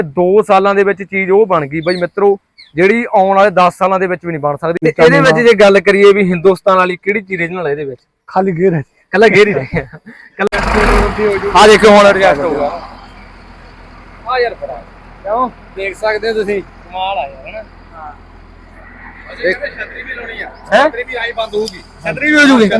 2 ਸਾਲਾਂ ਦੇ ਵਿੱਚ ਚੀਜ਼ ਉਹ ਬਣ ਗਈ ਬਈ ਮਿੱਤਰੋ ਜਿਹੜੀ ਆਉਣ ਵਾਲੇ 10 ਸਾਲਾਂ ਦੇ ਵਿੱਚ ਵੀ ਨਹੀਂ ਬਣ ਸਕਦੀ। ਤੇ ਇਹਦੇ ਵਿੱਚ ਜੇ ਗੱਲ ਕਰੀਏ ਵੀ ਹਿੰਦੁਸਤਾਨ ਵਾਲੀ ਕਿਹੜੀ ਚੀਜ਼ ਰੀਜਨਲ ਹੈ ਇਹਦੇ ਵਿੱਚ? ਖਾਲੀ ਗੇਅਰ ਹੈ, ਕੱਲਾ ਗੇਅਰ ਹੀ ਰਹਿ ਗਿਆ। ਆ ਦੇਖੋ ਹੁਣ ਐਡਜਸਟ ਹੋਊਗਾ। ਆ ਯਾਰ ਬੜਾ ਕਿਉਂ ਦੇਖ ਸਕਦੇ ਹੋ ਤੁਸੀਂ, ਕਮਾਲ ਆ ਯਾਰ ਹੈਨਾ। ਛਤਰੀ ਵੀ ਲਾਉਣੀ ਆ, ਛਤਰੀ ਵੀ ਆਈ ਬੰਦ ਹੋਊਗੀ, ਛਤਰੀ ਵੀ ਹੋ ਜੂਗੀ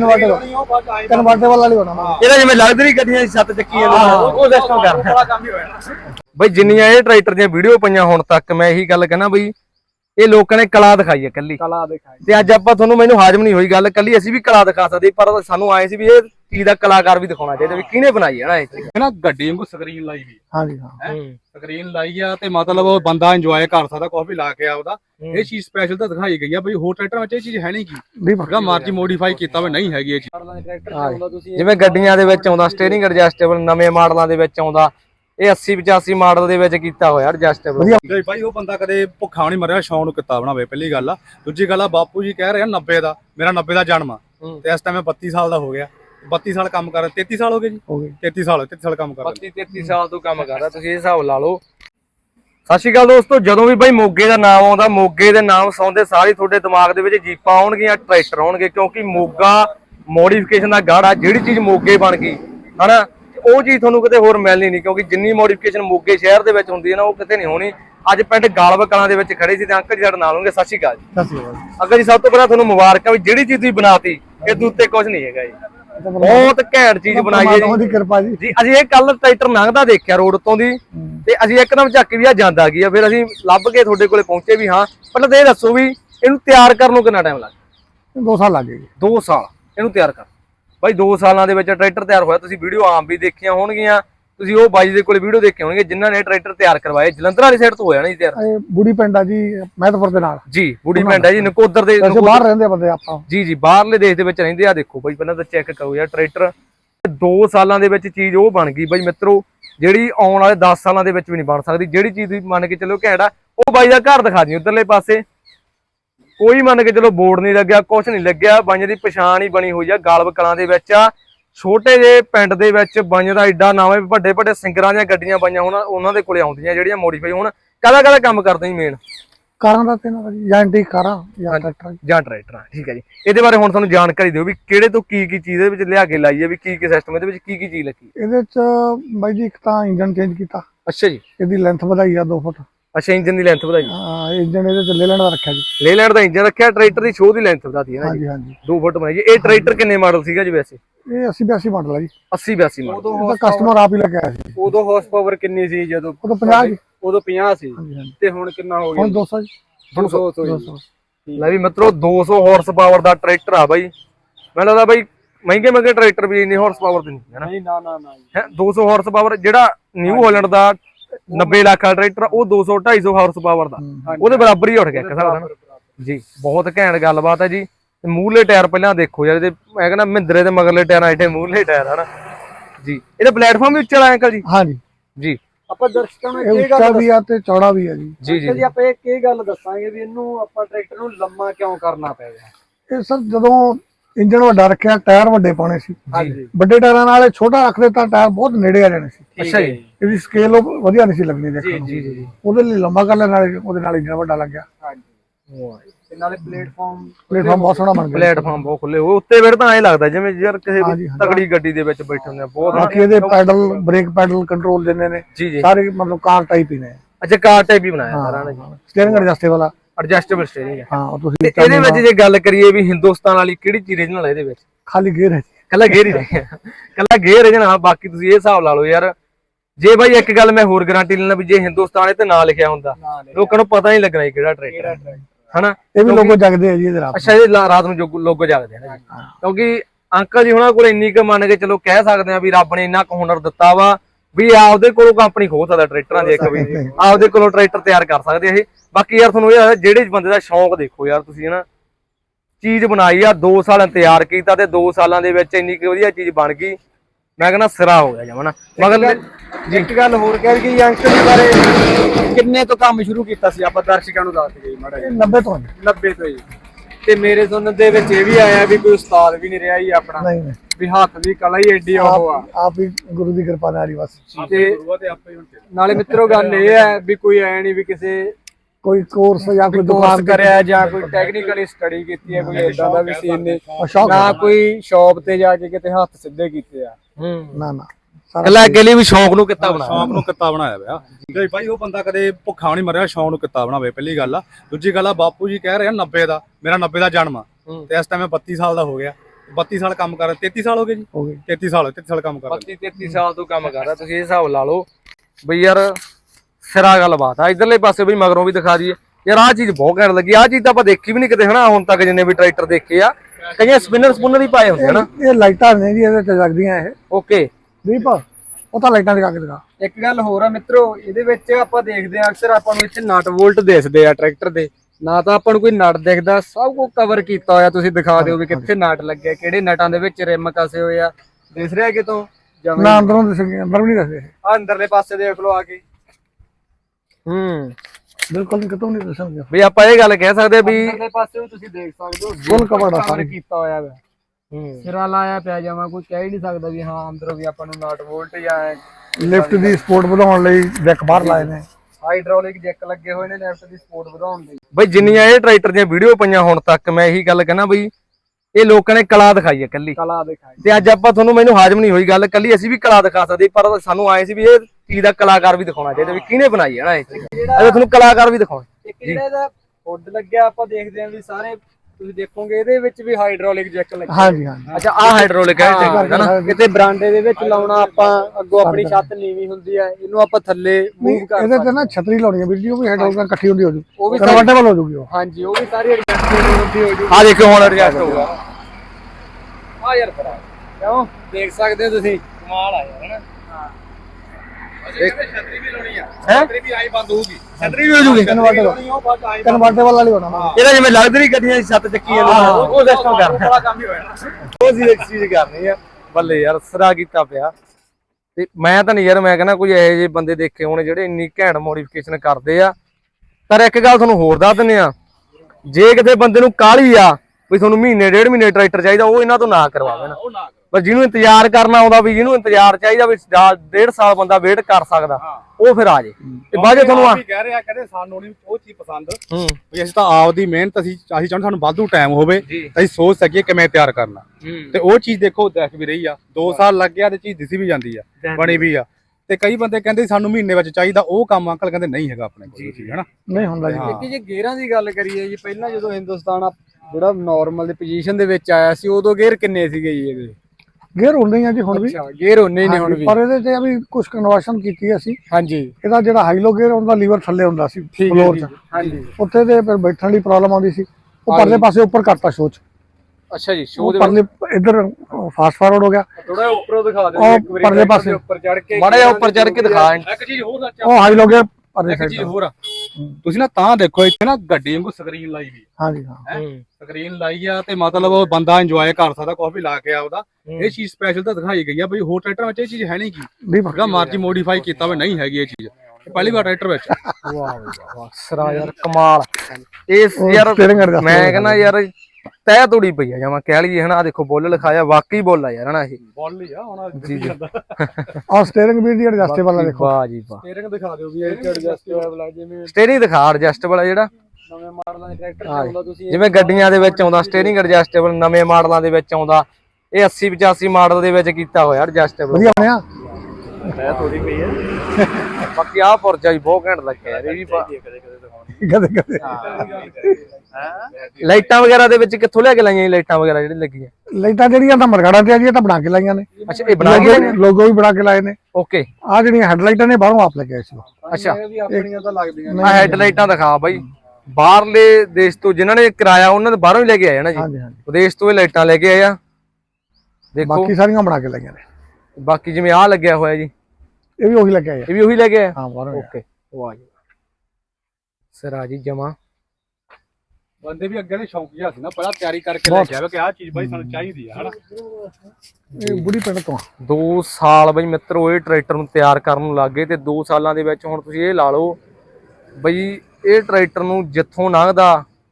ਕਨਵਰਟਰ ਵਾਲੀ ਹੋਣਾ। ਇਹਦਾ ਜਿਵੇਂ ਲੱਗਦੀ ਨਹੀਂ ਗੱਡੀਆਂ ਛੱਤ ਚੱਕੀ ਉਹ ਸਿਸਟਮ ਕਰਨਾ ਕੰਮ ਹੀ ਹੋਇਆ ਬਈ। ਜਿੰਨੀਆਂ ਇਹ ਟਰੈਕਟਰ ਦੀਆਂ ਵੀਡੀਓ ਪਈਆਂ ਹੁਣ ਤੱਕ ਮੈਂ ਇਹੀ ਗੱਲ ਕਹਿਣਾ ਬਈ ਇਹ ਲੋਕਾਂ ਨੇ ਕਲਾ ਦਿਖਾਈ ਹੈ ਕੱਲੀ ਕਲਾ ਦਿਖਾਈ। ਤੇ ਅੱਜ ਆਪਾਂ ਤੁਹਾਨੂੰ ਮੈਨੂੰ ਹਾਜ਼ਮ ਨਹੀਂ ਹੋਈ ਗੱਲ ਕੱਲੀ, ਅਸੀਂ ਵੀ ਕਲਾ ਦਿਖਾ ਸਕਦੇ ਪਰ ਸਾਨੂੰ ਆਏ ਸੀ ਵੀ ਇਹ ਚੀਜ਼ ਦਾ ਕਲਾਕਾਰ ਵੀ ਦਿਖਾਉਣਾ ਚਾਹੀਦਾ ਵੀ ਕਿਹਨੇ ਬਣਾਈ ਹੈ ਨਾ ਇਹ ਚੀਜ਼ ਨਾ। ਗੱਡੀ ਵਾਂਗੂ ਸਕਰੀਨ ਲਾਈ ਵੀ। ਹਾਂਜੀ ਹਾਂ ਸਕਰੀਨ ਲਾਈ ਆ ਤੇ ਮਤਲਬ ਉਹ ਬੰਦਾ ਇੰਜੋਏ ਕਰ ਸਕਦਾ ਕੁਝ ਵੀ ਲਾ ਕੇ ਆਉਦਾ। ਇਹ ਚੀਜ਼ ਸਪੈਸ਼ਲ ਤਾਂ ਦਿਖਾਈ ਗਈ ਆ ਬਈ ਹੋਰ ਟਰੈਕਟਰਾਂ ਵਿੱਚ ਇਹ ਚੀਜ਼ ਹੈ ਨਹੀਂ ਕੀ ਜਿਹੜਾ ਮਰਜ਼ੀ ਮੋਡੀਫਾਈ ਕੀਤਾ ਹੋਵੇ ਨਹੀਂ ਹੈਗੀ ਇਹ ਚੀਜ਼। ਜਿਵੇਂ ਗੱਡੀਆਂ ਦੇ ਵਿੱਚ ਆਉਂਦਾ ਸਟੀਅਰਿੰਗ ਐਡਜਸਟੇਬਲ ਨਵੇਂ ਮਾਡਲਾਂ ਦੇ ਵਿੱਚ ਆਉਂਦਾ ਇਹ 80 85 ਮਾਡਲ ਦੇ ਵਿੱਚ ਕੀਤਾ ਹੋਇਆ ਐਡਜਸਟੇਬਲ ਭਾਈ। ਉਹ ਬੰਦਾ ਕਦੇ ਭੁੱਖਾ ਨਹੀਂ ਮਰਿਆ ਸ਼ੌਂਕ ਨੂੰ ਕਿੱਤਾ ਬਣਾਵੇ ਪਹਿਲੀ ਗੱਲ ਆ। ਦੂਜੀ ਗੱਲ ਆ ਬਾਪੂ ਜੀ ਕਹਿ ਰਹੇ ਆ 90 ਦਾ, ਮੇਰਾ 90 ਦਾ ਜਨਮ ਆ ਤੇ ਇਸ ਟਾਈਮ ਮੈਂ 32 ਸਾਲ ਦਾ ਹੋ ਗਿਆ। 32 ਸਾਲ ਕੰਮ ਕਰ 33 ਸਾਲ ਹੋ ਗਏ ਜੀ, 33 ਸਾਲ ਕੰਮ ਕਰ 33 ਸਾਲ ਤੋਂ ਕੰਮ ਕਰਦਾ ਤੁਸੀਂ ਇਹ ਹਿਸਾਬ ਲਾ ਲਓ। ਸਤਿ ਸ਼੍ਰੀ ਅਕਾਲ ਦੋਸਤੋ, ਜਦੋਂ ਵੀ ਬਾਈ ਮੋਗੇ ਦਾ ਨਾਮ ਆਉਂਦਾ ਮੋਗੇ ਦੇ ਨਾਮ ਸੁਣਦੇ ਸਾਰੇ ਤੁਹਾਡੇ ਦਿਮਾਗ ਦੇ ਵਿੱਚ ਜੀਪਾਂ ਆਉਣਗੀਆਂ, ਟਰੈਕਟਰ ਆਉਣਗੇ ਕਿਉਂਕਿ ਮੋਗਾ ਮੋਡੀਫਿਕੇਸ਼ਨ ਦਾ ਗੜ੍ਹ ਆ। ਜਿਹੜੀ ਚੀਜ਼ ਮੋਗੇ ਬਣ ਗਈ ਹਨਾ ਉਹ ਚੀਜ਼ ਤੁਹਾਨੂੰ ਕਿਤੇ ਹੋਰ ਮਿਲਣੀ ਨਹੀਂ ਕਿਉਂਕਿ ਜਿੰਨੀ ਮੋਡੀਫਿਕੇਸ਼ਨ ਮੋਗੇ ਸ਼ਹਿਰ ਦੇ ਵਿੱਚ ਹੁੰਦੀ ਹੈ ਨਾ ਉਹ ਕਿਤੇ ਨਹੀਂ ਹੋਣੀ। ਅੱਜ ਪਿੰਡ ਗਾਲਵ ਕਲਾਂ ਦੇ ਵਿੱਚ ਖੜੇ ਸੀ ਤੇ ਅੰਕਲ ਜੀ ਸਾਡੇ ਨਾਲ ਹੋਣਗੇ। ਸਤਿ ਸ਼੍ਰੀ ਅਕਾਲ ਜੀ। ਸਤਿ ਸ਼੍ਰੀ ਅਕਾਲ ਅੰਕਲ ਜੀ, ਸਭ ਤੋਂ ਪਹਿਲਾਂ ਤੁਹਾਨੂੰ ਮੁਬਾਰਕਾਂ ਵੀ ਜਿਹੜੀ ਚੀਜ਼ ਤੁਸੀਂ ਬਣਾਤੀ ਇਹਦੇ ਉੱਤੇ ਕੁਝ ਨਹੀਂ ਹੈਗਾ ਜੀ, ਬਹੁਤ ਘੈਂਟ ਚੀਜ਼ ਬਣਾਈ ਹੈ ਜੀ। ਕਿਰਪਾ ਜੀ। ਜੀ ਅਸੀਂ ਇਹ ਕੱਲ ਟਰੈਕਟਰ ਲੰਘਦਾ ਦੇਖਿਆ ਰੋਡ ਤੋਂ ਦੀ ਤੇ ਅਸੀਂ ਇੱਕਦਮ ਝੱਕ ਵੀ ਆ ਜਾਂਦਾ ਗਿਆ, ਫਿਰ ਅਸੀਂ ਲੱਭ ਕੇ ਤੁਹਾਡੇ ਕੋਲੇ ਪਹੁੰਚੇ ਵੀ ਹਾਂ। ਪਹਿਲਾਂ ਤਾਂ ਇਹ ਦੱਸੋ ਵੀ ਇਹਨੂੰ ਤਿਆਰ ਕਰਨ ਨੂੰ ਕਿੰਨਾ ਟਾਈਮ ਲੱਗਾ? 2 ਸਾਲ ਲੱਗ ਗਏ। 2 ਸਾਲ ਇਹਨੂੰ ਤਿਆਰ ਕਰ ਬਾਈ। 2 ਸਾਲਾਂ ਦੇ ਵਿੱਚ ਟਰੈਕਟਰ ਤਿਆਰ ਹੋਇਆ। ਤੁਸੀਂ ਵੀਡੀਓ ਆਮ ਵੀ ਦੇਖੀਆਂ ਹੋਣਗੀਆਂ, ਤੁਸੀਂ ਉਹ ਬਾਈ ਦੇ ਕੋਲੇ ਵੀਡੀਓ ਦੇਖੇ ਹੋਣਗੇ ਜਿਨ੍ਹਾਂ ਨੇ ਟਰੈਕਟਰ ਤਿਆਰ ਕਰਵਾਏ। ਜਲੰਧਰ ਵਾਲੀ ਸਾਈਡ ਤੋਂ ਹੋਇਆ ਨਾ ਜੀ ਤਿਆਰ? ਬੁੜੀ ਪਿੰਡ ਆ ਜੀ ਮਹਿਤਪੁਰ ਦੇ ਨਾਲ। ਜੀ ਬੁੜੀ ਪਿੰਡ ਹੈ ਜੀ, ਨਕੋਦਰ ਦੇ ਬਾਹਰ ਰਹਿੰਦੇ ਬੰਦੇ ਆਪਾਂ। ਜੀ ਜੀ ਬਾਹਰਲੇ ਦੇਸ਼ ਦੇ ਵਿੱਚ ਰਹਿੰਦੇ ਆ। ਦੇਖੋ ਬਾਈ ਪਹਿਲਾਂ ਤਾਂ ਚੈੱਕ ਕਰੋ ਯਾਰ ਟਰੈਕਟਰ 2 ਸਾਲਾਂ ਦੇ ਵਿੱਚ ਚੀਜ਼ ਉਹ ਬਣ ਗਈ ਬਾਈ ਮਿੱਤਰੋ ਜਿਹੜੀ ਆਉਣ ਵਾਲੇ 10 ਸਾਲਾਂ ਦੇ ਵਿੱਚ ਵੀ ਨਹੀਂ ਬਣ ਸਕਦੀ। ਜਿਹੜੀ ਚੀਜ਼ ਤੁਸੀਂ ਮੰਨ ਕੇ ਚੱਲੋ ਘੈਂਟ ਆ ਉਹ ਬਾਈ ਦਾ ਘਰ ਦਿਖਾ ਦਿਓ ਉਧਰਲੇ ਪਾਸੇ। ਕੋਈ ਮੰਨ ਕੇ ਚਲੋ ਬੋਰਡ ਨਹੀਂ ਲੱਗਿਆ, ਕੁਛ ਨਹੀਂ ਲੱਗਿਆ, ਬਾਈਆਂ ਦੀ ਪਛਾਣ ਹੀ ਬਣੀ ਹੋਈ ਆ। ਗਾਲਵ ਕਲਾਂ ਦੇ ਵਿੱਚ ਆ ਛੋਟੇ ਜਿਹੇ ਪਿੰਡ ਦੇ ਵਿੱਚ ਬਾਈਆਂ ਦਾ ਐਡਾ ਨਾਮ ਹੈ। ਵੱਡੇ ਵੱਡੇ ਸਿੰਗਰਾਂ ਦੀਆਂ ਗੱਡੀਆਂ ਬਾਈਆਂ ਹੁਣ ਉਹਨਾਂ ਦੇ ਕੋਲੇ ਆਉਂਦੀਆਂ ਜਿਹੜੀਆਂ ਮੋਡੀਫਾਈ ਹੁਣ ਕਾਹਦਾ ਕੰਮ ਕਰਦੇ ਜੀ ਮੇਨ ਕਾਰਾਂ ਦਾ ਤੇ ਨਾ ਜਾਂ ਐਂਟੀਕ ਕਾਰਾਂ ਜਾਂ ਟਰੈਕਟਰ ਜਾਂ ਟਰੈਕਟਰਾਂ। ਠੀਕ ਹੈ ਜੀ, ਇਹਦੇ ਬਾਰੇ ਹੁਣ ਸਾਨੂੰ ਜਾਣਕਾਰੀ ਦਿਓ ਵੀ ਕਿਹੜੇ ਤੋਂ ਕੀ ਚੀਜ਼ ਦੇ ਵਿੱਚ ਲਿਆ ਕੇ ਲਾਈ ਹੈ, ਵੀ ਕੀ ਸਿਸਟਮ ਇਹਦੇ ਵਿੱਚ ਕੀ ਚੀਜ਼ ਲੱਗੀ? ਇਹਦੇ ਚ ਬਾਈ ਜੀ ਇੱਕ ਤਾਂ ਇੰਜਨ ਚੇਂਜ ਕੀਤਾ। ਅੱਛਾ ਜੀ। ਇਹਦੀ ਲੈਂਥ ਵਧਾਈ ਆ 2 ਫੁੱਟ। ਅੱਛਾ ਇੰਜਨ ਦੀ ਲੈਂਥ ਵਧਾਈ? ਹਾਂ ਇੰਜਨ ਇਹਦੇ ਚ ਲੇਲੈਂਡ ਦਾ ਰੱਖਿਆ ਜੀ। ਲੇਲੈਂਡ ਦਾ ਇੰਜਨ ਰੱਖਿਆ, ਟਰੈਕਟਰ ਦੀ ਸ਼ੋਅ ਦੀ ਲੈਂਥ ਵਧਾਤੀ ਹੈ ਨਾ ਜੀ? ਹਾਂਜੀ 2 ਫੁੱਟ ਬਣਾਈ ਜੀ। ਇਹ ਟਰੈਕਟਰ ਕਿੰਨੇ ਮਾਡਲ ਸੀਗਾ ਜੀ ਵੈਸੇ? ਇਹ 80 82 ਮਾਡਲ ਆ ਜੀ। 80 82 ਮਾਡਲ। ਉਦੋਂ ਕਸਟਮਰ ਆਪ ਹੀ ਲੈ ਕੇ ਆਇਆ ਸੀ। ਉਦੋਂ ਹਾਰਸ ਪਾਵਰ ਕਿੰਨੀ ਸੀ ਜਦੋਂ? ਉਦੋਂ 50 ਜੀ। ਉਦੋਂ 50 ਸੀ ਤੇ ਹੁਣ ਕਿੰਨਾ ਹੋ ਗਿਆ? ਹੁਣ 200 ਜੀ। 200 ਲੈ ਵੀ ਮਿੱਤਰੋ 200 ਹਾਰਸ ਪਾਵਰ ਦਾ ਟਰੈਕਟਰ ਆ ਬਾਈ। ਮੈਨੂੰ ਲੱਗਦਾ ਬਾਈ ਮਹਿੰਗੇ ਟਰੈਕਟਰ ਵੀ ਇੰਨੇ ਹਾਰਸ ਪਾਵਰ ਦੇ ਨਹੀਂ ਹੈ ਨਾ? ਨਹੀਂ ਨਾ ਹੈ 200 ਹਾਰਸ ਪਾਵਰ ਜਿਹੜਾ ਨਿਊ ਹਾਲੈਂਡ ਦਾ 90 ਲੱਖ ਦਾ ਟਰੈਕਟਰ ਉਹ 200 250 ਹਾਰਸ ਪਾਵਰ ਦਾ ਉਹਦੇ ਬਰਾਬਰ ਹੀ ਉੱਠ ਗਿਆ ਇੱਕ ਹਿਸਾਬ ਨਾਲ ਜੀ। ਬਹੁਤ ਘੈਂਟ ਗੱਲਬਾਤ ਹੈ ਜੀ। ਮੂਹਰਲੇ ਟਾਇਰ ਪਹਿਲਾਂ ਦੇਖੋ ਯਾਰ ਇਹਦੇ, ਮੈਂ ਕਹਿੰਦਾ ਮਹਿੰਦਰੇ ਦੇ ਮਗਰਲੇ ਟਾਇਰ ਆਏ ਮੂਹਰਲੇ ਟਾਇਰ ਹਨਾ ਜੀ। ਇਹਦਾ ਪਲੇਟਫਾਰਮ ਵੀ ਉੱਚਾ ਲਾਇਆ ਅੰਕਲ ਜੀ? ਹਾਂਜੀ ਜੀ। ਆਪਾਂ ਦਰਸ਼ਕਾਂ ਨੂੰ ਇਹ ਉੱਚਾ ਵੀ ਆ ਤੇ ਚੌੜਾ ਵੀ ਆ ਜੀ। ਜੀ ਜੀ ਆਪਾਂ ਇਹ ਗੱਲ ਦੱਸਾਂਗੇ ਵੀ ਇਹਨੂੰ ਆਪਾਂ ਟਰੈਕਟਰ ਨੂੰ ਲੰਮਾ ਕਿਉਂ ਕਰਨਾ ਪੈ ਗਿਆ। ਇਹ ਸਰ ਜਦੋਂ ਇੰਜਨ ਵੱਡਾ ਰੱਖਿਆ ਟਾਇਰ ਵੱਡੇ ਪਾਉਣੇ ਸੀ। ਵੱਡੇ ਟਾਇਰਾਂ ਨਾਲ ਛੋਟਾ ਰੱਖਦੇ ਤਾਂ ਟਾਇਰ ਬਹੁਤ ਨੇੜੇ ਆ ਜਾਣੇ ਸੀ। ਅੱਛਾ ਜੀ। ਇਹਦੀ ਸਕੇਲ ਵਧੀਆ ਨਹੀਂ ਸੀ ਲੱਗਣੀ ਦੇਖਣ ਨੂੰ। ਜੀ ਉਹਦੇ ਲਈ ਲੰਬਾ ਕਰ ਲਿਆ, ਨਾਲੇ ਉਹਦੇ ਨਾਲ ਇੰਜਨ ਵੱਡਾ ਲੱਗ ਗਿਆ। ਤੇ ਨਾਲੇ ਪਲੇਟਫਾਰਮ ਬਹੁਤ ਸੋਹਣਾ ਬਣ ਗਿਆ। ਪਲੇਟਫਾਰਮ ਬਹੁਤ ਖੁੱਲੇ ਉੱਤੇ ਫਿਰ ਤਾਂ ਐਂ ਲੱਗਦਾ ਜਿਵੇਂ ਯਾਰ ਕਿਸੇ ਤਕੜੀ ਗੱਡੀ ਦੇ ਵਿੱਚ ਬੈਠੇ ਹੁੰਦੇ ਆ। ਬਹੁਤ ਬਾਕੀ ਇਹਦੇ ਪੈਡਲ ਬ੍ਰੇਕ ਪੈਡਲ ਕੰਟਰੋਲ ਜਿੰਨੇ ਨੇ ਸਾਰੇ ਮਤਲਬ ਕਾਰ ਟਾਈਪ ਹੀ ਨੇ। ਅੱਛਾ ਕਾਰ ਟਾਈਪ ਹੀ ਬਣਾਇਆ ਸਾਰਾ ਨੇ। ਸਟੀਅਰਿੰਗ ਐਡਜਸਟੇਬਲ ਆ। ਐਡਜਸਟੇਬਲ ਸਟੀਅਰਿੰਗ ਹੈ। ਹਾਂ ਤੁਸੀਂ ਇਹਦੇ ਵਿੱਚ ਜੇ ਗੱਲ ਕਰੀਏ ਵੀ ਹਿੰਦੁਸਤਾਨ ਵਾਲੀ ਕਿਹੜੀ ਚੀਜ਼ ਰੀਜਨਲ ਹੈ ਇਹਦੇ ਵਿੱਚ? ਖਾਲੀ ਗੇਅਰ ਹੈ ਜੀ। ਕੱਲਾ ਗੇਅਰ ਹੀ ਰਹਿ ਗਿਆ, ਕੱਲਾ ਗੇਅਰ ਰੀਜਨਲ। ਬਾਕੀ ਤੁਸੀਂ ਇਹ ਹਿਸਾਬ ਲਾ ਲਓ ਯਾਰ। ਜੇ ਬਾਈ ਇੱਕ ਗੱਲ ਮੈਂ ਹੋਰ ਗਾਰੰਟੀ ਲੈਣਾ ਵੀ ਜੇ ਹਿੰਦੁਸਤਾਨ ਇਹ ਤੇ ਨਾਂ ਲਿਖਿਆ ਹੁੰਦਾ ਲੋਕਾਂ ਨੂੰ ਪਤਾ ਨਹੀਂ ਲੱਗਣਾ ਕਿਹੜਾ ਟਰੈਕਟਰ ਹਨਾ। ਇਹ ਵੀ ਲੋਗੋ ਜਗਦੇ ਆ ਜੀ ਇਹਦੇ ਰਾਤ। ਅੱਛਾ ਇਹ ਰਾਤ ਨੂੰ ਲੋਗੋ ਜਗਦੇ ਆ ਕਿਉਂਕਿ ਅੰਕਲ ਜੀ ਹੁਣਾਂ ਕੋਲ ਇੰਨੀ ਕੁ ਮੰਨ ਕੇ ਚਲੋ ਕਹਿ ਸਕਦੇ ਆ ਵੀ ਰੱਬ ਨੇ ਇੰਨਾ ਕੁ ਹੁਨਰ ਦਿੱਤਾ ਵਾ ਵੀ ਆਪਦੇ ਕੋਲੋਂ ਕੰਪਨੀ ਖੋਲ ਸਕਦਾ ਟਰੈਕਟਰਾਂ ਦੀ ਇੱਕ ਵੀ ਆਪਦੇ ਕੋਲੋਂ ਟਰੈਕਟਰ ਤਿਆਰ ਕਰ ਸਕਦੇ ਇਹ। ਬਾਕੀ ਯਾਰ ਤੁਹਾਨੂੰ ਇਹ ਜਿਹੜੇ ਬੰਦੇ ਦਾ ਸ਼ੌਂਕ ਦੇਖੋ ਯਾਰ ਤੁਸੀਂ ਹਨਾ ਚੀਜ਼ ਬਣਾਈ ਆ 2 ਸਾਲ ਤਿਆਰ ਕੀਤਾ ਤੇ 2 ਸਾਲਾਂ ਦੇ ਵਿੱਚ ਇੰਨੀ ਕੁ ਵਧੀਆ ਚੀਜ਼ ਬਣ ਗਈ। ਮੈਂ ਕਹਿੰਦਾ ਸਿਰਾ ਹੋ ਗਿਆ ਜਮਾ। ਮਗਰ ਇੱਕ ਗੱਲ ਹੋਰ ਕਹਿ ਗਈ ਅੰਕਲ ਜੀ ਬਾਰੇ ਕਿੰਨੇ ਤੋਂ ਕੰਮ ਸ਼ੁਰੂ ਕੀਤਾ ਸੀ ਆਪਾਂ ਦਰਸ਼ਕਾਂ ਨੂੰ ਦੱਸ ਦਈਏ ਮਾੜਾ ਜਿਹਾ। 90 ਤੋਂ 90 ਤੋਂ ਜੀ। ਤੇ ਮੇਰੇ ਸੁਣਨ ਦੇ ਵਿੱਚ ਇਹ ਵੀ ਆਇਆ ਵੀ ਕੋਈ ਉਸਤਾਦ ਵੀ ਨਹੀਂ ਰਿਹਾ ਜੀ ਆਪਣਾ, ਨਹੀਂ ਨਹੀਂ ਵੀ ਹੱਥ ਦੀ ਕਲਾ ਹੀ ਐਡੀ ਉਹ ਆ। ਆਪ ਹੀ ਗੁਰੂ ਦੀ ਕਿਰਪਾ ਨਾਲ ਹੀ ਬਸ। ਤੇ ਨਾਲੇ ਮਿੱਤਰੋ ਗੱਲ ਇਹ ਹੈ ਵੀ ਕੋਈ ਐ ਨਹੀਂ ਵੀ ਕਿਸੇ ਕੋਈ ਕੋਰਸ ਜਾਂ ਕੋਈ ਕੋਰਸ ਦੁਕਾਨ ਕਰਿਆ ਜਾਂ ਕੋਈ ਟੈਕਨੀਕਲੀ ਸਟੱਡੀ ਕੀਤੀ ਹੈ, ਕੋਈ ਏਦਾਂ ਦਾ ਵੀ ਸੀਨ ਨੇ, ਸ਼ੌਕ ਨਾ ਕੋਈ ਸ਼ੌਪ ਤੇ ਜਾ ਕੇ ਕਿਤੇ ਹੱਥ ਸਿੱਧੇ ਕੀਤੇ ਆ। ਨਾ ਨਾ ਕੱਲਾ ਕੇ ਲਈ ਵੀ ਸ਼ੌਂਕ ਨੂੰ ਕਿੱਤਾ ਬਣਾਇਆ। ਸ਼ੌਂਕ ਨੂੰ ਕਿੱਤਾ ਬਣਾਇਆ ਹੋਇਆ ਤੇ ਭਾਈ ਉਹ ਬੰਦਾ ਕਦੇ ਭੁੱਖਾ ਨਹੀਂ ਮਰਿਆ, ਸ਼ੌਂਕ ਨੂੰ ਕਿੱਤਾ ਬਣਾਵੇ ਪਹਿਲੀ ਗੱਲ ਆ। ਦੂਜੀ ਗੱਲ ਆ ਬਾਪੂ ਜੀ ਕਹਿ ਰਹੇ ਆ 90 ਦਾ, ਮੇਰਾ 90 ਦਾ ਜਨਮ ਆ ਤੇ ਇਸ ਟਾਈਮ ਮੈਂ 32 ਸਾਲ ਦਾ ਹੋ ਗਿਆ। 32 ਸਾਲ ਕੰਮ ਕਰ 33 ਸਾਲ ਹੋ ਗਏ ਜੀ, ਹੋ ਗਏ 33 ਸਾਲ ਕੰਮ ਕਰ 32-33 ਸਾਲ ਤੋਂ ਕੰਮ ਕਰ ਰਿਹਾ, ਤੁਸੀਂ ਇਹ ਹਿਸਾਬ ਲਾ ਲਓ ਬਈ ਯਾਰ ਸਿਰਾ ਗੱਲਬਾਤ ਆ। ਇਧਰਲੇ ਪਾਸੇ ਬਈ ਮਗਰੋਂ ਵੀ ਦਿਖਾ ਦਈਏ ਯਾਰ, ਆਹ ਚੀਜ਼ ਬਹੁਤ ਘੈਂਟ ਲੱਗੀ। ਆਹ ਚੀਜ਼ ਤਾਂ ਆਪਾਂ ਦੇਖੀ ਵੀ ਨਹੀਂ ਕਿਤੇ ਹਨਾ ਹੁਣ ਤੱਕ, ਜਿੰਨੇ ਵੀ ਟਰੈਕਟਰ ਦੇਖੇ ਆ ਕਈਆਂ ਸਪਿਨਰ ਹੀ ਪਾਏ ਹੁੰਦੇ ਹਨਾ। ਇਹ ਲਾਈਟਾਂ ਨੇ ਜੀ ਇਹਦੇ ਤੇ ਲੱਗਦੀਆਂ ਇਹ ਓਕੇ ਦੀਪ, ਉਹ ਤਾਂ ਲਾਈਟਾਂ ਦਿਖਾ ਕੇ ਦਿਖਾ। ਇੱਕ ਗੱਲ ਹੋਰ ਆ ਮਿੱਤਰੋ, ਇਹਦੇ ਵਿੱਚ ਆਪਾਂ ਦੇਖਦੇ ਆ ਅਕਸਰ ਆਪਾਂ ਨੂੰ ਇੱਥੇ ਨਟ ਵੋਲਟ ਦਿਸਦੇ ਆ ਟਰੈਕਟਰ ਦੇ, ਨਾ ਤਾਂ ਆਪਾਂ ਨੂੰ ਕੋਈ ਨਟ ਦਿਖਦਾ, ਸਭ ਕੁਝ ਕਵਰ ਕੀਤਾ ਹੋਇਆ। ਤੁਸੀਂ ਦਿਖਾ ਦਿਓ ਵੀ ਕਿੱਥੇ ਨਟ ਲੱਗੇ, ਕਿਹੜੇ ਨਟਾਂ ਦੇ ਵਿੱਚ ਰਿਮ ਕਸੇ ਹੋਏ ਆ, ਦਿਸ ਰਿਹਾ ਕਿਤੋਂ? ਨਾ ਅੰਦਰੋਂ ਦਿਸ ਗਈਆਂ, ਅੰਦਰ ਵੀ ਨਹੀਂ ਦੱਸਦੇ ਆ ਅੰਦਰਲੇ ਪਾਸੇ ਦੇਖ ਲਓ ਆ ਕੇ। ਬਿਲਕੁਲ ਨਹੀਂ, ਕਿਤੋਂ ਨਹੀਂ ਦੱਸਣਗੇ। ਵੀ ਆਪਾਂ ਇਹ ਗੱਲ ਕਹਿ ਸਕਦੇ ਵੀ ਅੰਦਰਲੇ ਪਾਸੇ ਵੀ ਤੁਸੀਂ ਦੇਖ ਸਕਦੇ ਹੋ, ਫੁੱਲ ਕਵਰ ਆ ਸਾਰੇ ਕੀਤਾ ਹੋਇਆ ਵਾ। ਸਿਰਾ ਲਾਇਆ ਪਿਆ ਜਾਵਾਂ, ਕੋਈ ਕਹਿ ਹੀ ਨਹੀਂ ਸਕਦਾ ਵੀ ਹਾਂ ਅੰਦਰੋਂ ਵੀ ਆਪਾਂ ਨੂੰ ਨਟ ਵੋਲਟ ਜਾਂ ਲਿਫਟ ਦੀ ਸਪੋਰਟ ਵਧਾਉਣ ਲਈ ਜੈਕ ਬਾਹਰ ਲਾਏ ਨੇ, ਹਾਈਡ੍ਰੋਲਿਕ ਜੈਕ ਲੱਗੇ ਹੋਏ ਨੇ ਲਿਫਟ ਦੀ ਸਪੋਰਟ ਵਧਾਉਣ ਲਈ। ਬਈ ਜਿੰਨੀਆਂ ਇਹ ਟਰੈਕਟਰ ਦੀਆਂ ਵੀਡੀਓ ਪਈਆਂ ਹੁਣ ਤੱਕ, ਮੈਂ ਇਹੀ ਗੱਲ ਕਹਿਣਾ ਬਈ ਇਹ ਲੋਕਾਂ ਨੇ ਕਲਾ ਦਿਖਾਈ ਹੈ ਕੱਲੀ, ਕਲਾ ਦਿਖਾਈ। ਤੇ ਅੱਜ ਆਪਾਂ ਤੁਹਾਨੂੰ, ਮੈਨੂੰ ਹਾਜ਼ਮ ਨਹੀਂ ਹੋਈ ਗੱਲ, ਕੱਲੀ ਅਸੀਂ ਵੀ ਕਲਾ ਦਿਖਾ ਸਕਦੇ, ਪਰ ਸਾਨੂੰ ਆਏ ਸੀ ਵੀ ਇਹ ਚੀਜ਼ ਦਾ ਕਲਾਕਾਰ ਵੀ ਦਿਖਾਉਣਾ ਚਾਹੀਦਾ ਵੀ ਕਿਹਨੇ ਬਣਾਈ ਹੈ ਨਾ ਇਹ ਚੀਜ਼। ਅੱਜ ਤੁਹਾਨੂੰ ਕਲਾਕਾਰ ਵੀ ਦਿਖਾਉਣਾ। ਇੱਕ ਜਿਹੜਾ ਇਹਦਾ ਹੁੱਡ ਲੱਗਿਆ ਆਪਾਂ ਦੇਖਦੇ ਆਂ ਵੀ ਸਾਰੇ ਤੁਸੀਂ ਦੇਖੋਗੇ ਇਹਦੇ ਵਿੱਚ ਵੀ ਹਾਈਡ੍ਰੋਲਿਕ ਜੈਕ ਲੱਗੇ। ਹਾਂਜੀ ਹਾਂਜੀ ਅੱਛਾ ਆਹ ਹਾਈਡ੍ਰੋਲਿਕ ਹੈ ਹਨਾ, ਕਿਤੇ ਬਰਾਂਡੇ ਦੇ ਵਿੱਚ ਲਾਉਣਾ ਆਪਾਂ, ਅੱਗੋਂ ਆਪਣੀ ਛੱਤ ਨੀਵੀਂ ਹੁੰਦੀ ਹੈ, ਇਹਨੂੰ ਆਪਾਂ ਥੱਲੇ ਮੂਵ ਕਰ ਇਹਦੇ ਤੇ ਨਾ ਛਤਰੀ ਲਾਉਣੀ ਹੈ ਵੀਰ ਜੀ, ਉਹ ਵੀ ਹਾਈਡ੍ਰੋਲਿਕ ਇਕੱਠੀ ਹੁੰਦੀ ਹੋ ਜੂ, ਉਹ ਵੀ ਕਨਵਰਟੇਬਲ ਹੋ ਜੂਗੀ ਉਹ। ਹਾਂਜੀ ਉਹ ਵੀ ਸਾਰੀ ਐਡਜਸਟਮੈਂਟ ਹੁੰਦੀ ਹੋ ਜੂ। ਆਹ ਦੇਖੋ ਹੁਣ ਐਡਜਸਟ ਹੋਊਗਾ। ਆ ਯਾਰ ਭਰਾ ਕਿਉਂ ਦੇਖ ਸਕਦੇ ਹੋ ਤੁਸੀਂ, ਕਮਾਲ ਆ ਯਾਰ ਹਨਾ। ਛਤਰੀ ਵੀ ਲਾਉਣੀ ਆ, ਹੈ ਛਤਰੀ ਵੀ ਆਈ ਬੰਦ ਹੋਊਗੀ, ਛਤਰੀ ਵੀ ਹੋ ਜੂਗੀ। ਕਨਵਰਟੇਬਲ ਵਾਲੀ ਹੋਣਾ ਵਾ। ਇਹਦਾ ਜਿਵੇਂ ਲੱਗਦੀ ਨਹੀਂ ਗੱਡੀਆਂ ਦੀ ਛੱਤ ਚੱਕੀ ਜਾਂਦੇ ਉਹ ਸਿਸਟਮ ਕਰਨਾ, ਕੰਮ ਹੀ ਹੋਇਆ। ਉਹ ਸੀ ਇੱਕ ਚੀਜ਼ ਕਰਨੀ ਆ। ਬੱਲੇ ਯਾਰ ਸਰਾ ਕੀਤਾ ਪਿਆ। ਤੇ ਮੈਂ ਤਾਂ ਨਹੀਂ ਯਾਰ, ਮੈਂ ਕਹਿੰਦਾ ਕੋਈ ਇਹੋ ਜਿਹੇ ਬੰਦੇ ਦੇਖੇ ਹੋਣੇ ਜਿਹੜੇ ਇੰਨੀ ਘੈਂਟ ਮੋਡੀਫਿਕੇਸ਼ਨ ਕਰਦੇ ਆ। ਪਰ ਇੱਕ ਗੱਲ ਤੁਹਾਨੂੰ ਹੋਰ ਦੱਸ ਦਿੰਦੇ ਆ, ਜੇ ਕਿਤੇ ਬੰਦੇ ਨੂੰ ਕਾਹਲੀ ਆ ਵੀ ਤੁਹਾਨੂੰ ਮਹੀਨੇ ਡੇਢ ਮਹੀਨੇ ਟਰੈਕਟਰ ਚਾਹੀਦਾ, ਉਹ ਇਹਨਾਂ ਤੋਂ ਨਾ ਕਰਵਾਵੇ ਨਾ। ਪਰ ਜਿਹਨੂੰ ਇੰਤਜ਼ਾਰ ਕਰਨਾ ਆਉਂਦਾ, ਵੀ ਜਿਹਨੂੰ ਇੰਤਜ਼ਾਰ ਚਾਹੀਦਾ ਵੀ 1.5 ਸਾਲ ਬੰਦਾ ਵੇਟ ਕਰ ਸਕਦਾ, ਉਹ ਫਿਰ ਆ ਜੇ। ਤੇ ਬਾਅਦ ਚ ਤੁਹਾਨੂੰ ਵੀ ਕਹਿ ਰਿਹਾ, ਕਹਿੰਦੇ ਸਾਨੂੰ ਨਹੀਂ ਉਹ ਚੀਜ਼ ਪਸੰਦ ਵੀ ਅਸੀਂ ਤਾਂ ਆਪਦੀ ਮਿਹਨਤ, ਅਸੀਂ ਚਾਹੁੰਦੇ ਸਾਨੂੰ ਵਾਧੂ ਟਾਈਮ ਹੋਵੇ, ਅਸੀਂ ਸੋਚ ਸਕੀਏ ਕਿਵੇਂ ਤਿਆਰ ਕਰਨਾ। ਤੇ ਉਹ ਚੀਜ਼ ਦੇਖੋ ਦਿਖ ਵੀ ਰਹੀ ਆ, 2 ਸਾਲ ਲੱਗ ਗਿਆ ਤੇ ਚੀਜ਼ ਦਿਸੀ ਵੀ ਜਾਂਦੀ ਆ, ਬਣੀ ਵੀ ਆ। ਤੇ ਕਈ ਬੰਦੇ ਕਹਿੰਦੇ ਸਾਨੂੰ ਮਹੀਨੇ ਵਿੱਚ ਚਾਹੀਦਾ, ਉਹ ਕੰਮ ਅੰਕਲ ਕਹਿੰਦੇ ਨਹੀਂ ਹੈਗਾ ਆਪਣੇ ਕੋਲ ਜੀ, ਹਨਾ ਨਹੀਂ ਹੁੰਦਾ ਜੀ। ਇੱਕ ਜੇ ਗੇਅਰਾਂ ਦੀ ਗੱਲ ਕਰੀਏ ਜੀ, ਪਹਿਲਾਂ ਜਦੋਂ ਹਿੰਦੁਸਤਾਨ ਜਿਹੜਾ ਨਾਰਮਲ ਦੀ ਪੋਜੀਸ਼ਨ ਦੇ ਵਿੱਚ ਆਇਆ ਸੀ, ਉਦੋਂ ਗੇਅਰ ਕਿੰਨੇ ਸੀਗੇ ਜੀ ਇਹਦੇ? ਗੇਅਰ ਹੁੰਦੇ ਹੀ ਆ ਜੀ ਹੁਣ ਵੀ, ਅੱਛਾ ਗੇਅਰ ਹੁੰਨੇ ਹੀ ਨੇ ਹੁਣ ਵੀ। ਪਰ ਇਹਦੇ ਤੇ ਵੀ ਕੁਝ ਕਨਵਰਸ਼ਨ ਕੀਤੀ ਅਸੀਂ। ਹਾਂਜੀ ਇਹਦਾ ਜਿਹੜਾ ਹਾਈਲੋ ਗੇਅਰ ਉਹਦਾ ਲੀਵਰ ਥੱਲੇ ਹੁੰਦਾ ਸੀ ਫਲੋਰ 'ਚ, ਹਾਂਜੀ ਉੱਥੇ ਤੇ ਫਿਰ ਬੈਠਣ ਦੀ ਪ੍ਰੋਬਲਮ ਆਉਂਦੀ ਸੀ, ਉਹ ਪਰਲੇ ਪਾਸੇ ਉੱਪਰ ਕਰਤਾ ਸੋਚ। ਅੱਛਾ ਜੀ, ਉਹ ਪਰਲੇ ਇੱਧਰ ਫਾਸਟ ਫਾਰਵਰਡ ਹੋ ਗਿਆ, ਥੋੜਾ ਉੱਪਰੋਂ ਦਿਖਾ ਦਿਓ ਉਹ ਇੱਕ ਵਾਰੀ, ਪਰਲੇ ਪਾਸੇ ਉੱਪਰ ਚੜ ਕੇ ਮਾੜਾ ਜਿਹਾ ਉੱਪਰ ਚੜ ਕੇ ਦਿਖਾ। ਇੱਕ ਚੀਜ਼ ਹੋਰ ਸੱਚ ਉਹ ਹਾਈਲੋ ਗੇਅਰ ਪਰਲੇ ਇੱਕ ਸਾਈਡ ਚੀਜ਼ ਹੋਰ ਆ, ਤੁਸੀਂ ਨਾ ਤਾਂ ਦੇਖੋ ਇੱਥੇ ਨਾ ਗੱਡੀ ਵਾਂਗੂ ਸਕਰੀਨ ਲਾਈ ਵੀ, ਹਾਂਜੀ ਹਾਂ ਸਕਰੀਨ ਲਾਈ ਆ, ਤੇ ਮਤਲਬ ਉਹ ਬੰਦਾ ਇੰਜੋਏ ਕਰ ਸਕਦਾ ਕੁਝ ਵੀ ਲਾ ਕੇ ਆਪਦਾ। ਇਹ ਚੀਜ਼ ਸਪੈਸ਼ਲ ਤਾਂ ਦਿਖਾਈ ਗਈ ਆ ਬਈ, ਹੋਰ ਟਰੈਕਟਰਾਂ ਵਿੱਚ ਇਹ ਚੀਜ਼ ਹੈ ਨਹੀਂ ਕੀ, ਜਿਹੜਾ ਮਰਜ਼ੀ ਮੋਡੀਫਾਈ ਕੀਤਾ ਹੋਵੇ ਨਹੀਂ ਹੈਗੀ ਇਹ ਚੀਜ਼, ਪਹਿਲੀ ਵਾਰ ਟਰੈਕਟਰ ਵਿੱਚ। ਵਾਹ ਵਾਹ ਸਰਾ ਯਾਰ ਕਮਾਲ। ਇਸ ਯਾਰ steering adjust ਮੈਂ ਕਹਿੰਦਾ ਯਾਰ ਤੈ ਤੋੜੀ ਪਈ ਆ, ਜਾਂ ਮੈਂ ਕਹਿ ਲਈਏ ਹਨਾ। ਦੇਖੋ ਬੁੱਲ ਲਿਖਾਇਆ, ਵਾਕਈ ਬੁੱਲ ਆ ਯਾਰ ਹਨਾ ਇਹ। ਬੋਲ ਹੀ ਆ ਹੁਣ ਜੀ ਜੀ ਆਹ ਸਟੀਅਰਿੰਗ ਵੀ ਦੀ ਐਡਜਸਟੇਬਲ ਆ, ਦੇਖੋ ਵਾਹ ਜੀ ਵਾਹ। ਸਟੀਅਰਿੰਗ ਦਿਖਾ ਦਿਓ ਵੀ ਇਹ ਚ ਐਡਜਸਟੇਬਲ ਆ, ਜਿਵੇਂ ਸਟੀਅਰਿੰਗ ਦਿਖਾ ਐਡਜਸਟੇਬਲ ਆ ਜਿਹੜਾ ਨਵੇਂ ਮਾਡਲਾਂ ਦੇ ਟਰੈਕਟਰ ਆਉਂਦਾ ਤੁਸੀਂ ਜਿਵੇਂ ਗੱਡੀਆਂ ਦੇ ਵਿੱਚ ਆਉਂਦਾ ਸਟੀਅਰਿੰਗ ਐਡਜਸਟੇਬਲ, ਨਵੇਂ ਮਾਡਲਾਂ ਦੇ ਵਿੱਚ ਆਉਂਦਾ। ਇਹ 80 85 ਮਾਡਲ ਦੇ ਵਿੱਚ ਕੀਤਾ ਹੋਇਆ ਐਡਜਸਟੇਬਲ। ਵਧੀਆ ਬਣਿਆ। ਥੋੜੀ ਪਈ ਆ, ਬਾਕੀ ਆਹ ਪੁਰਜਾ ਵੀ ਬਹੁਤ ਘੈਂਟ ਲੱਗਿਆ ਯਾਰ, ਇਹ ਵੀ ਕਦੇ ਕਦੇ ਲਾਈਟਾਂ ਵਗੈਰਾ ਦੇ ਵਿੱਚ ਕਿੱਥੋਂ ਲਿਆ ਕੇ ਲਾਈਆਂ ਲਾਈਟਾਂ ਵਗੈਰਾ ਜਿਹੜੀ ਲੱਗੀਆਂ? ਲਾਈਟਾਂ ਜਿਹੜੀਆਂ ਤਾਂ ਮਰਗਾੜਾ ਤੇ ਆ ਜੀ, ਇਹ ਤਾਂ ਬਣਾ ਕੇ ਲਾਈਆਂ ਨੇ। ਅੱਛਾ ਇਹ ਬਣਾ ਕੇ ਲੋਗੋ ਵੀ ਬਣਾ ਕੇ ਲਾਏ ਨੇ। ਓਕੇ ਆ ਜਿਹੜੀਆਂ ਹੈਡਲਾਈਟਾਂ ਨੇ ਬਾਹਰੋਂ ਆਪ ਲੱਗਿਆ ਸੀ। ਅੱਛਾ ਇਹ ਵੀ ਆਪਣੀਆਂ ਤਾਂ ਲੱਗਦੀਆਂ ਆ ਹੈਡਲਾਈਟਾਂ ਦਿਖਾ ਬਾਈ, ਬਾਹਰਲੇ ਦੇਸ਼ ਤੋਂ ਜਿਨ੍ਹਾਂ ਨੇ ਕਿਰਾਇਆ ਉਹਨਾਂ ਦੇ ਬਾਹਰੋਂ ਹੀ ਲੈ ਕੇ ਆਏ ਨਾ ਜੀ, ਹਾਂਜੀ ਹਾਂਜੀ, ਵਿਦੇਸ਼ ਤੋਂ ਇਹ ਲਾਈਟਾਂ ਲੈ ਕੇ ਆਏ ਆ। ਦੇਖੋ ਬਾਕੀ ਸਾਰੀਆਂ ਬਣਾ ਕੇ ਲਾਈਆਂ ਨੇ। ਬਾਕੀ ਜਿਵੇਂ ਆਹ ਲੱਗਿਆ ਹੋਇਆ ਜੀ, ਇਹ ਵੀ ਉਹੀ ਲੱਗਿਆ ਹੈ। ਇਹ ਵੀ ਉਹੀ ਲੈ ਕੇ ਆਇਆ। ਹਾਂ ਬਾਹਰੋਂ ਓਕੇ ਵਾਹ ਜੀ ਸਰਾ ਜੀ ਜਮਾ। ਬੰਦੇ ਵੀ ਅੱਗੇ ਦੇ ਸ਼ੌਂਕ ਜਿਹਾ ਸੀ ਨਾ, ਪਹਿਲਾਂ ਤਿਆਰੀ ਕਰਕੇ ਲੈ ਕੇ ਆਵੇ ਕਿ ਆਹ ਚੀਜ਼ ਬਾਈ ਸਾਨੂੰ ਚਾਹੀਦੀ ਆ, ਹਨਾ। ਇਹ ਬੁੜੀ ਪਿੰਡ ਤੋਂ 2 ਸਾਲ ਬਈ ਮਿੱਤਰੋ ਇਹ ਟਰੈਕਟਰ ਨੂੰ ਤਿਆਰ ਕਰਨ ਨੂੰ ਲੱਗੇ, ਤੇ 2 ਸਾਲਾਂ ਦੇ ਵਿੱਚ ਹੁਣ ਤੁਸੀਂ ਇਹ ਲਾ ਲਓ ਬਈ ਇਹ ਟਰੈਕਟਰ ਨੂੰ ਜਿੱਥੋਂ ਲੰਘਦਾ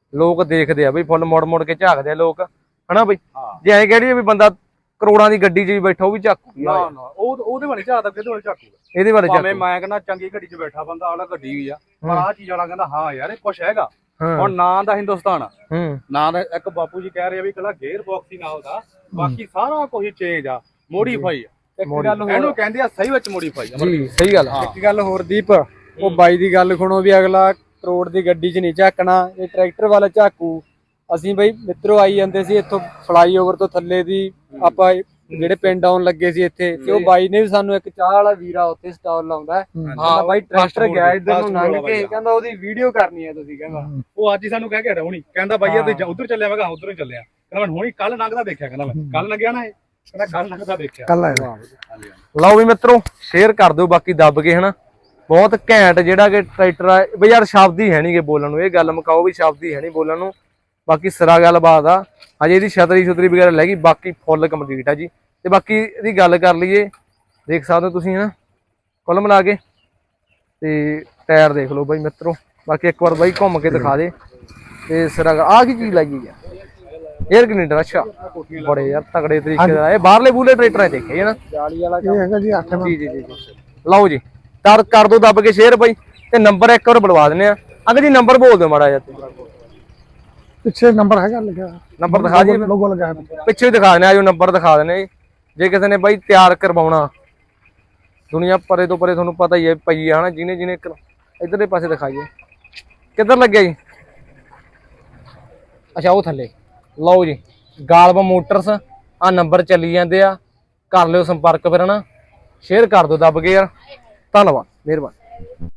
ਲੋਕ ਦੇਖਦੇ ਆ ਬਈ, ਫੁੱਲ ਮੁੜ ਮੁੜ ਕੇ ਝਾਕਦੇ ਆ ਲੋਕ, ਹਨਾ ਬਈ। ਹਾਂ। ਜੇ ਐਂ ਕਹਿ ਵੀ ਬੰਦਾ ਕਰੋੜਾਂ ਦੀ ਗੱਡੀ 'ਚ ਵੀ ਬੈਠਾ ਉਹ ਵੀ ਝਾਕੂ, ਨਾ ਉਹਦੇ ਵਾਲੇ ਝਾਕਦਾ, ਕਿਹਦੇ ਵਾਲੇ ਝਾਕੂਗਾ? ਇਹਦੇ ਬਾਰੇ ਭਾਵੇਂ ਮੈਂ ਕਹਿੰਦਾ ਚੰਗੀ ਗੱਡੀ 'ਚ ਬੈਠਾ ਬੰਦਾ, ਆਲਾ ਗੱਡੀ ਵੀ ਆ, ਪਰ ਆਹ ਚੀਜ਼ ਵਾਲਾ ਕਹਿੰਦਾ ਹਾਂ ਯਾਰ ਇਹ ਕੁਛ ਹੈਗਾ। ਹੁਣ ਨਾਂ ਦਾ ਹਿੰਦੁਸਤਾਨ ਆ, ਨਾਂ ਦਾ ਇੱਕ ਬਾਪੂ ਜੀ ਕਹਿ ਰਹੇ ਆ ਵੀ ਇਕੱਲਾ ਗੇਅਰ ਬਾਕਸ ਹੀ ਨਾਲ ਦਾ, ਬਾਕੀ ਸਾਰਾ ਕੁਝ ਚੇਂਜ ਆ, ਮੋਡੀਫਾਈ ਆ। ਇੱਕ ਗੱਲ ਹੋਰ, ਇਹਨੂੰ ਕਹਿੰਦੇ ਆ ਸਹੀ ਵਿੱਚ ਮੋਡੀਫਾਈ ਆ। ਜੀ ਸਹੀ ਗੱਲ ਆ। ਇੱਕ ਗੱਲ ਹੋਰ ਦੀਪ, ਉਹ ਬਾਈ ਦੀ ਗੱਲ ਸੁਣੋ ਵੀ ਅਗਲਾ ਕਰੋੜ ਦੀ ਗੱਡੀ 'ਚ ਨਹੀਂ ਝਾਕਣਾ, ਇਹ ਟਰੈਕਟਰ ਵਾਲਾ ਝਾਕੂ। ਅਸੀਂ ਬਈ ਮਿੱਤਰੋ ਆਈ ਜਾਂਦੇ ਸੀ ਇੱਥੋਂ ਫਲਾਈਓਵਰ ਤੋਂ ਥੱਲੇ ਦੀ, ਆਪਾਂ ਜਿਹੜੇ ਪਿੰਡ ਆਉਣ ਲੱਗੇ ਸੀ ਇੱਥੇ, ਤੇ ਉਹ ਬਾਈ ਨੇ ਵੀ ਸਾਨੂੰ ਇੱਕ ਚਾਹ ਵਾਲਾ ਵੀਰਾ ਉੱਥੇ ਸਟਾਲ ਲਾਉਂਦਾ, ਹਾਂ ਬਾਈ ਟਰੈਕਟਰ ਗਿਆ ਇੱਧਰ ਨੂੰ ਲੰਘ ਕੇ, ਕਹਿੰਦਾ ਉਹਦੀ ਵੀਡੀਓ ਕਰਨੀ ਹੈ ਤੁਸੀਂ, ਕਹਿੰਦਾ ਉਹ ਅੱਜ ਹੀ ਸਾਨੂੰ ਕਹਿ ਕੇ ਹਟਿਆ ਹੁਣੀ, ਕਹਿੰਦਾ ਬਾਈ ਤੇ ਉਧਰ ਚੱਲਿਆ, ਮੈਂ ਕਿਹਾ ਉਧਰ ਹੀ ਚੱਲਿਆ, ਕਹਿੰਦਾ ਮੈਂ ਹੁਣੀ ਕੱਲ ਲੰਘਦਾ ਦੇਖਿਆ, ਕਹਿੰਦਾ ਮੈਂ ਕੱਲ ਲੰਘਿਆ ਨਾ, ਇਹ ਕਹਿੰਦਾ ਕੱਲ ਲੰਘਦਾ ਦੇਖਿਆ। ਕੱਲ ਆਇਆ ਲਓ ਵੀ ਮਿੱਤਰੋ ਸ਼ੇਅਰ ਕਰ ਦਿਓ ਬਾਕੀ ਦੱਬ ਕੇ, ਹਨਾ ਬਹੁਤ ਘੈਂਟ ਜਿਹੜਾ ਕਿ ਟਰੈਕਟਰ ਆ ਬਈ ਯਾਰ, ਸ਼ਬਦ ਹੀ ਹੈ ਨਹੀਂਗੇ ਬੋਲਣ ਨੂੰ, ਇਹ ਗੱਲ ਮੁਕਾਓ ਵੀ ਸ਼ਬਦ ਹੀ ਹੈ ਨਹੀਂ ਬੋਲਣ ਨੂੰ। ਬਾਕੀ ਸਿਰਾ ਗੱਲਬਾਤ ਆ, ਅਜੇ ਇਹਦੀ ਛਤਰੀ ਵਗੈਰਾ ਲੈ ਗਈ, ਬਾਕੀ ਫੁੱਲ ਕੰਪਲੀਟ ਆ ਜੀ। ਤੇ ਬਾਕੀ ਇਹਦੀ ਗੱਲ ਕਰ ਲਈਏ, ਦੇਖ ਸਕਦੇ ਹੋ ਤੁਸੀਂ ਹਨਾ ਕੁੱਲ ਮਿਲਾ ਕੇ, ਤੇ ਟਾਇਰ ਦੇਖ ਲਓ ਬਾਈ ਮਿੱਤਰੋ। ਬਾਕੀ ਇੱਕ ਵਾਰ ਬਾਈ ਘੁੰਮ ਕੇ ਦਿਖਾ ਦੇ। ਤੇ ਸਿਰਾ ਆ ਕੀ ਚੀਜ਼ ਲੱਗੀ ਆ, 에ਅਰ ਕਨੈਕਟਰ, ਅੱਛਾ ਬੜੇ ਯਾਰ ਤਗੜੇ ਤਰੀਕੇ ਦਾ, ਇਹ ਬਾਹਰਲੇ ਬੂਲੇ ਟਰੈਕਟਰ ਦੇਖੇ ਨਾ, ਜਾਲੀ ਵਾਲਾ ਇਹ ਹੈਗਾ ਜੀ 8 ਜੀ ਜੀ ਜੀ। ਲਓ ਜੀ ਕਰ ਦੋ ਦੱਬ ਕੇ ਸ਼ੇਅਰ ਬਾਈ, ਤੇ ਨੰਬਰ ਇੱਕ ਵਾਰ ਬੁਲਵਾ ਦਿੰਦੇ ਆ। ਅੰਕਲ ਜੀ ਨੰਬਰ ਬੋਲ ਦਿਓ ਮਾੜਾ ਜਿਹਾ, ਪਿੱਛੇ ਨੰਬਰ ਹੈਗਾ ਲਿਖਿਆ, ਨੰਬਰ ਦਿਖਾ ਜੀ, ਲੋਗੋ ਲਗਾਇਆ ਪਿੱਛੇ ਵੀ ਦਿਖਾ ਦਿੰਦੇ ਆ, ਜੋ ਨੰਬਰ ਦਿਖਾ ਦਿੰਦੇ ਆ। ਜੇ ਕਿਸੇ ਨੇ ਬਾਈ ਤਿਆਰ ਕਰਵਾਉਣਾ, ਦੁਨੀਆ ਪਰੇ ਤੋਂ ਪਰੇ ਤੁਹਾਨੂੰ ਪਤਾ ਹੀ ਹੈ ਪਈ ਆ ਹਨਾ, ਜਿਹਨੇ ਇਧਰਲੇ ਪਾਸੇ ਦਿਖਾਈਏ, ਕਿੱਧਰ ਲੱਗਿਆ ਜੀ, ਅੱਛਾ ਉਹ ਥੱਲੇ। ਲਓ ਜੀ ਗਾਲਬ ਮੋਟਰਸ, ਆ ਨੰਬਰ ਚੱਲੀ ਜਾਂਦੇ ਆ, ਕਰ ਲਿਓ ਸੰਪਰਕ ਫਿਰ ਹਨਾ, ਸ਼ੇਅਰ ਕਰ ਦਿਓ ਦੱਬ ਕੇ ਯਾਰ, ਧੰਨਵਾਦ, ਮਿਹਰਬਾਨੀ।